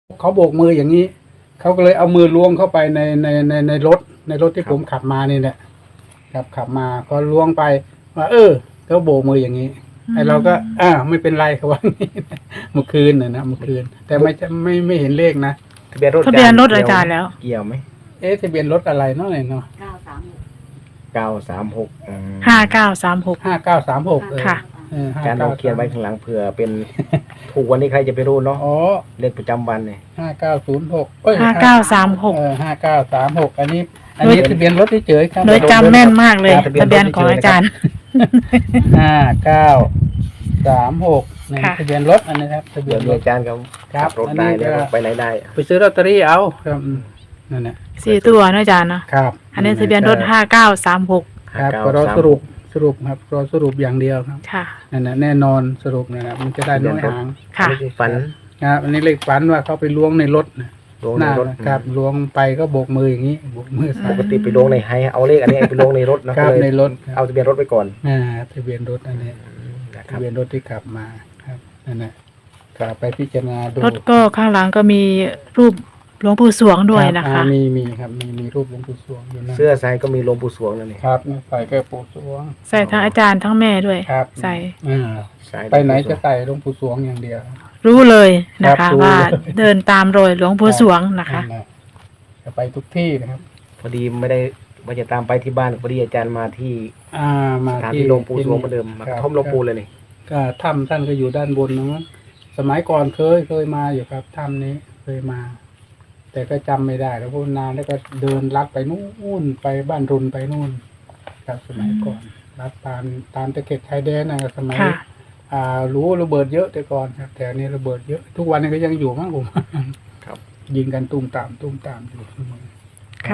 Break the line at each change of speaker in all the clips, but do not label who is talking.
เขาโบกมืออย่างนี้เขาก็เลยเอามือล้วงเข้าไปในรถที่ผมขับมานี่แหละขับมาก็ล้วงไปว่าเขาโบกมืออย่างนี้ไอ้เราก็ไม่เป็นไรเขาว่างี้เมื่อคืนนะเมื่อคืนแต่ไม่เห็นเลขนะ
ทะเบียนรถ
อาจารย์แล้ว
เกี่ยวไหม
ทะเบียนรถอะไรเนาะ
936
5936ค่ะ
อาจารย์เราเขียนไว้ข้างหลังเผื่อเป็นถูกวันนี้ใครจะไปรู้เนาะเลขประจำวันเนี่ย
5906
5936
5936อันนี้ทะเบียนรถที่เจอครับ
โดยจำแม่นมากเลยทะเบียนของอาจารย์
5936นี่ทะเบียนรถอันนี้ครับทะเบียนรถ
อาจารย์ขับรถได้แล้วไปไหนได้
ไปซื้อลอตเตอรี่เอาครับนั่นแหละ
4 ตัวนะอาจารย์นะครับอันนี้ทะเบียนรถ5936
ครับก็รอสรุปครับรอสรุปอย่างเดียวครับ
ค่ะ
นั่นแหละแน่นอนสรุปนะครับมันจะได้น้อยหาง
ค่ะ
ฝัน
ครับอันนี้เลขฝันว่าเขาไปล้วงในรถครับล้วงไปก็โบกมืออย่างนี้โบกมือ
ปกติไปล้วงในไฮเอาเลขอันนี้ไปล้วงในรถนะครับ
ในรถ
เอาทะเบียนรถไปก่อน
ทะเบียนรถอันนี้ทะเบียนรถที่ขับมาครับนั่นแหละกลับไปพิจารณาดู
รถก็ข้างหลังก็มีรูปหลวงปู่สวงด้วยนะคะ
มีครับมีรูปหลวงปู่สวงอยู่นะ
เสื้อใส่ก็มีหลวงปู่สวงนั่นเอง
ครับใส่แค่ปู่สวง
ใส่ทั้งอาจารย์ทั้งแม่ด้วยใส่
ไปไหนจะใส่หลวงปู่สวงอย่างเดียว
รู้เลยนะคะว่าเดินตามรอยหลวงปู่สวงนะคะ
จะไปทุกที่นะครับ
พอดีไม่ได้ว่าจะตามไปที่บ้านพอดีอาจารย์มาที่
มา
ที่หลวงปู่สวงเหมือนเดิมมาท่อมหลวงปู่เลยนี่
ก็ถ้ำท่านก็อยู่ด้านบนนะสมัยก่อนเคยมาอยู่ครับถ้ำนี้เคยมาแต่ก็จำไม่ได้แล้วพูดนานแล้วก็เดินลัดไปนู่นไปบ้านรุนไปนู่นครับสมัยก่อนลัดตามตะเข็บชายแดนนะสมัยรู้ระเบิดเยอะแต่ก่อนครับแต่นี้ระเบิดเยอะทุกวันนี้ก็ยังอยู่มั้งผม
ครับ
ยิงกันตุ้มตามอยู่เสมอ
ค่ะ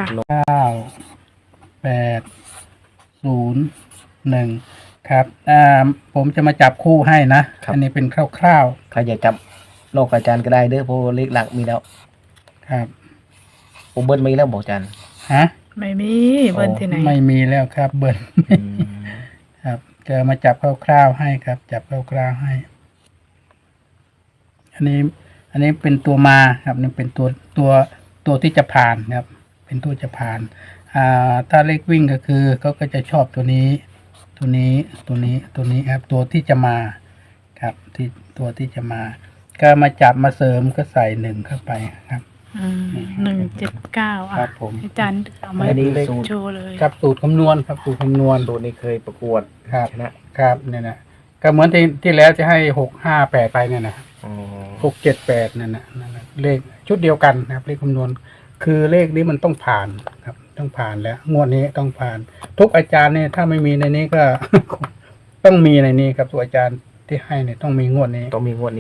9 8 0 1ครับผมจะมาจับคู่ให้นะอันนี้เป็นคร่าว
ๆใครอยากจับโลกอาจารย์ก็ได้เด้อเพราะเลขหลักมีแล้ว
ครับ
ผมเบิ้ลมีแล้วบอกอาจารย์
ไม่มีเบิ้ลที่ไหน
ไม่มีแล้วครับเบิ้ลครับจะมาจับคร่าวๆให้ครับจับคร่าวๆให้อันนี้เป็นตัวมาครับนี่เป็นตัวที่จะผ่านครับเป็นตัวจะผ่านถ้าเลขวิ่งก็คือเขาก็จะชอบตัวนี้ครับตัวที่จะมาครับที่ตัวที่จะมาก็มาจับมาเสริมก็ใส่1เข้าไปครับ
179
ครับผม
อาจารย์เอามาโชว์เลย
ครับสูตรคำนวณครับสูตรคำนวณ
ตัวนี้เคยประกวด
ครับนะครับเนี่ยนะก็เหมือนที่แล้วจะให้658ไปเนี่ยนะ678นั่นนะเลขชุดเดียวกันนะครับเลขคำนวณคือเลขนี้มันต้องผ่านครับต้องผ่านแล้วงวดนี้ต้องผ่านทุกอาจารย์เนี่ยถ้าไม่มีในนี้ก็ ต้องมีในนี้ครับตัวอาจารย์ที่ให้เนี่ยต้องมีงวดนี้
ต้องมีงวดนี้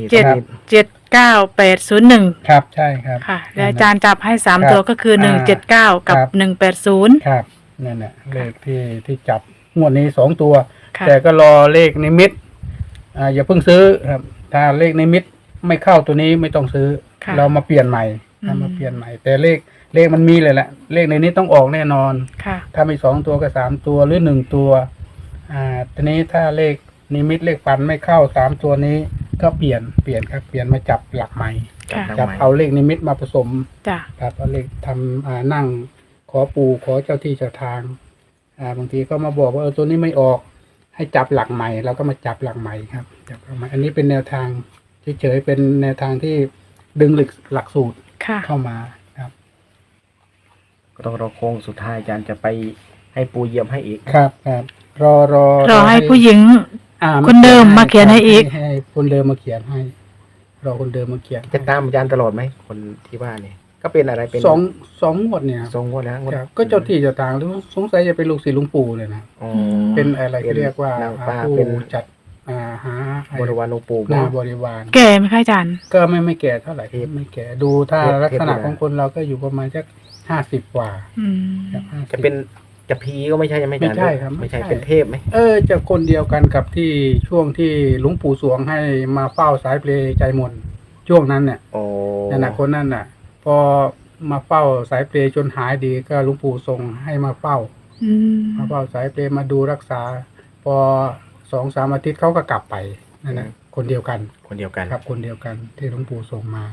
79801
ครับใช่ครับ
ค่ะแล้วอาจารย์จับให้3ตัวก็คือ179กับ180
ครับนั่นแหละเลขที่จับงวดนี้2ตัวแต่ก็รอเลขนิมิตอย่าเพิ่งซื้อครับถ้าเลขนิมิตไม่เข้าตัวนี้ไม่ต้องซื้อเรามาเปลี่ยนใหม่แต่เลขมันมีเลยแหละเลขในนี้ต้องออกแน่นอนถ้ามี2ตัวก็3ตัวหรือ1ตัวทีนี้ถ้าเลขนิมิตเลขฟันไม่เข้า3ตัวนี้ก็เปลี่ยนครับเปลี่ยนมาจับหลักใหม่จับเอาเลขนิมิตมาผสมครับเอาเลขทำนั่งขอปู่ขอเจ้าที่เจ้าทางบางทีก็มาบอกว่าตัวนี้ไม่ออกให้จับหลักใหม่เราก็มาจับหลักใหม่ครับจับหลักใหม่อันนี้เป็นแนวทางเฉยๆเป็นแนวทางที่ดึงหลักสูตรเข้ามาครับ
ก็ต้องรอโค้งสุดท้ายอาจารย์จะไปให้ปู่เยี่ยมให้อีก
ครับ
รอให้ผู้หญิงคนเดิมมาเขียนให้อีก
ให้คนเดิมมาเขียนให้รอคนเดิมมาเขียน
จะตามอาจารย์ตลอดไหมคนที่ว่าเนี่ยก็เป็นอะไรเป็น
สองงวดเนี่ย
2 งวดแล้ว
ก็เจ้าที่เจ้าทางหรือสงสัยจะเป็นลูกศิษย์หลวงปู่เลยนะเป็นอะไรที่เรียกว่าเป็นจัดหา
บริวารหลวงปู่
บริวาร
แก่ไหมคะอาจารย์
ก็ไม่แก่เท่าไหร่ไม่แก่ดูถ้าลักษณะของคนเราก็อยู่ประมาณสัก50 กว่า
จะเป็นจะผีก็ไม่ใช่ไม่
ใช่ครับ
ไม่ใช่เป็นเทพไหม
จะคนเดียวกันกับที่ช่วงที่หลวงปู่สวงให้มาเฝ้าสายเปลใจมนช่วงนั้นเนี่ยนั่นน่ะคนนั้นน่ะพอมาเฝ้าสายเปลจนหายดีก็หลวงปู่ทรงให้มาเฝ้าสายเปลมาดูรักษาพอ2-3 อาทิตย์เขาก็กลับไปนั่นนะคนเดียวกัน
ครับ
คนเดียวกันที่หลวงปู่ส่งมา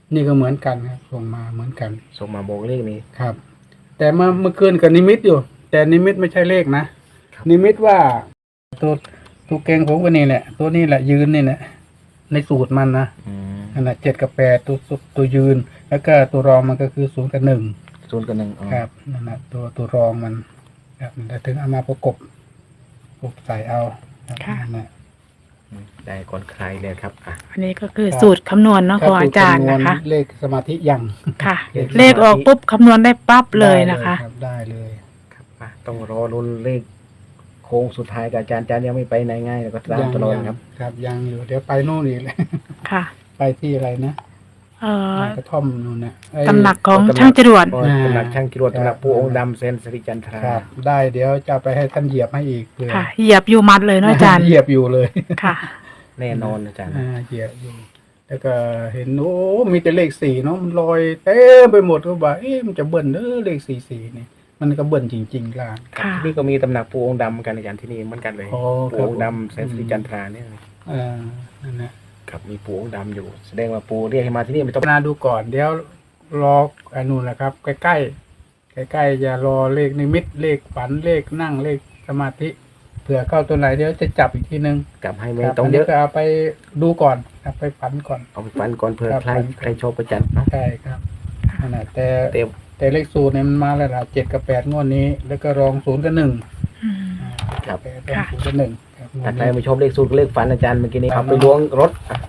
นี่ก็เหมือนกันครับส่งมาเหมือนกัน
ส่งมาบอกเลขนี้
ครับ แต่เมื่อคืนกับนิมิตอยู่ แต่นิมิตไม่ใช่เลขนะครับ นิมิตว่าตัวเก่งผมก็นี่แหละตัวนี้แหละยืนนี่แหละในสูตรมันนะ
อืม
นั่นแหละ7 กับ 8ตัวยืน แล้วก็ตัวรองมันก็คือ0 กับ 1
0 กับ 1อ๋อ
ครับนั่นแหละตัวรองมันครับแต่ถึงเอามาประกบใส่เอาครับ
ค่ะ
นั่นแหละ
ได้ก่อนใครเลยครับอ่ะ
อันนี้ก็คือสูตรคำนวณเนาะของอาจารย์นะคะ
เลขสมาธิยัง
ค่ะ เลขออกปุ๊บคำนวณได้ปั๊บเลยนะคะ
ได้เลย
ครับอ่ะต้องรอรุนเลขโค้งสุดท้ายกับอาจารย์ยังไม่ไปไหนง่ายแล้วก็ตามตลอดครับ
ครับยังอยู่เดี๋ยวไปโน่นอีกเลย
ค่ะ
ไปที่อะไรนะ กระท่อมนู่นนะไอ้
ตำหนักของช่างจรวด
ก็ตำหนักช่างกิรวดตำหนักปู่องค์ดำเซนสิริจันทรา
ครับ ได้เดี๋ยวจะเอาไปให้ท่านเหยียบให้อีกเพื่อ
ค่ะ เหยียบอยู่มัดเลยเนาะอาจารย์
เหยียบอยู่เลย
ค่ะ
แน่นอนอาจารย์
เหยียบอยู่ แล้วก็เห็นโอ้มีแต่เลข4เนาะมันลอยเต็มไปหมดก็บอกมันจะเบิ่นเลข44นี่มันก็เบิ่นจริงๆล่ะ
ค่ะ
ที่นี่ก็มีตำหนักปู่องค์ดำเหมือนกันอาจารย์ที่นี่เหมือนกันเลย
อ๋อ
ปู่องค์ดำเซนสิริจันทราเนี่ย
นั่นนะ
ครับมีปู่องค์ดำอยู่ แสดงว่าปู่เรียกให้มาที่นี่ไม่ต้อง
พิจารณาดูก่อนเดี๋ยวรออันนู้นนะครับ ใกล้ๆจะรอเลขนิมิตเลขฝันเลขนั่งเลขสมาธิเผื่อเข้าตัวไหนเดี๋ยวจะจับอีกทีนึง
กลับให้ไม่
ครับ
ต้องเยอะ
นนี้ก็เอาไปดูก่อนครับไปฝันก่อน
เอาไปฟันก่อนเผื่อ
ครับ
ใครชอบประจันเนาะ
ใช่ครับนั่นแหละแต่
เต็ม
แต่เลขสูตรเนี่ยมันมาแล้วล่ะ7 กับ 8งวดนี้ แล้วก็รอง0 กับ 1
อืม
ครับ
8รอง0 กับ 1ครับงว
ถ้า
ด
ใคร
นี้
ไม่ชอบเลขสูตรก็เลขฝันอาจารย์เมื่อกี้นี้เอาไปล้วงรถอ่ะ